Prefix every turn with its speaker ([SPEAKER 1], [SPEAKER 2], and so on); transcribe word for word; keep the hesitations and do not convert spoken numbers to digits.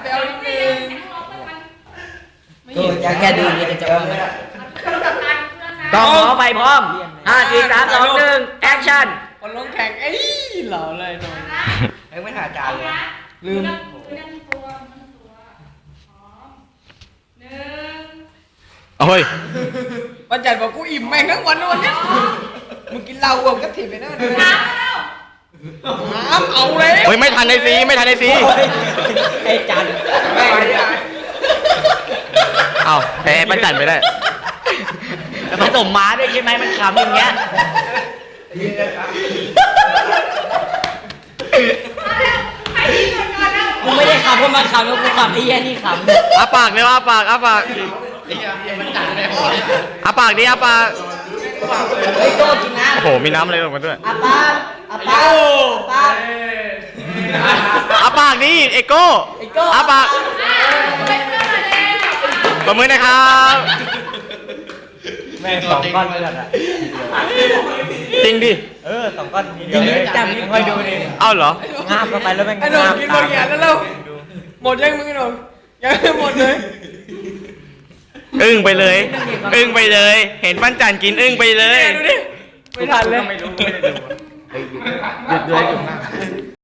[SPEAKER 1] ไปเอานิดนึง
[SPEAKER 2] ก็จะแค่ดูนี่จะจบแล้ว
[SPEAKER 3] กองขอไปพร้อมห้าสี่สามสองหนึ่งแอคชั่น
[SPEAKER 1] คนลงแข่งเอ้ยเหล่าเลยตรง
[SPEAKER 2] เอ้ยไม่ถ่ายจานเลย
[SPEAKER 1] ลืม
[SPEAKER 4] โอ้ย
[SPEAKER 1] วันจันทร์บอกกูอิ่มแม่งทั้งวันวันนี้มึงกินเหล้าอ้วกก็ถิ่นไปนั่นเลยน้ำเอาเลย
[SPEAKER 4] เฮ้ยไม่ทันในซีไม่ทันในซี
[SPEAKER 2] ไอ้จัน
[SPEAKER 1] แม่งเลย
[SPEAKER 4] เอ้าแพ้ปั้นจันไปได้
[SPEAKER 3] ผสมม้าด้วยใช่ไหมมันขำอย่างเงี้ย กูไม่ได้ขำเพราะมันขำแล้วกูขำไอ้แย่นี่ขำ
[SPEAKER 4] อาปากเร็วอาปากอาปากอาปากดิอาปาก
[SPEAKER 2] เฮ้ยโก้กินน้
[SPEAKER 4] โอ้โหมีน้ำอะไรลงมาด้วย
[SPEAKER 2] ำอาปากอาปากอาปาก
[SPEAKER 4] อาปากดิเอโก้
[SPEAKER 2] ไอ้โก้
[SPEAKER 4] อาปากประมือนะครับ
[SPEAKER 2] แม่งสองก้อนเลือดอ่ะ
[SPEAKER 4] จริงดิ
[SPEAKER 2] เออสองก้อนทีเดียวเลยจับนี่ค่อยดูดิ
[SPEAKER 4] เอ้าเหรอ
[SPEAKER 2] งาบเข้าไปแล้วแม่ง
[SPEAKER 1] ไอ้หนุ่มกินหมดแก่แล้วเร็วหมดยังมึงไอ้หนุ่มยังไม่หมดเลย
[SPEAKER 4] อึ้งไปเลย อึ้งไปเลย เห็นปั้นจันกินอึ้งไปเลย
[SPEAKER 1] ดูดิไม่ทันเลย
[SPEAKER 4] ไม่รู้ไม่ได้ดู
[SPEAKER 2] หยุดเลยหยุด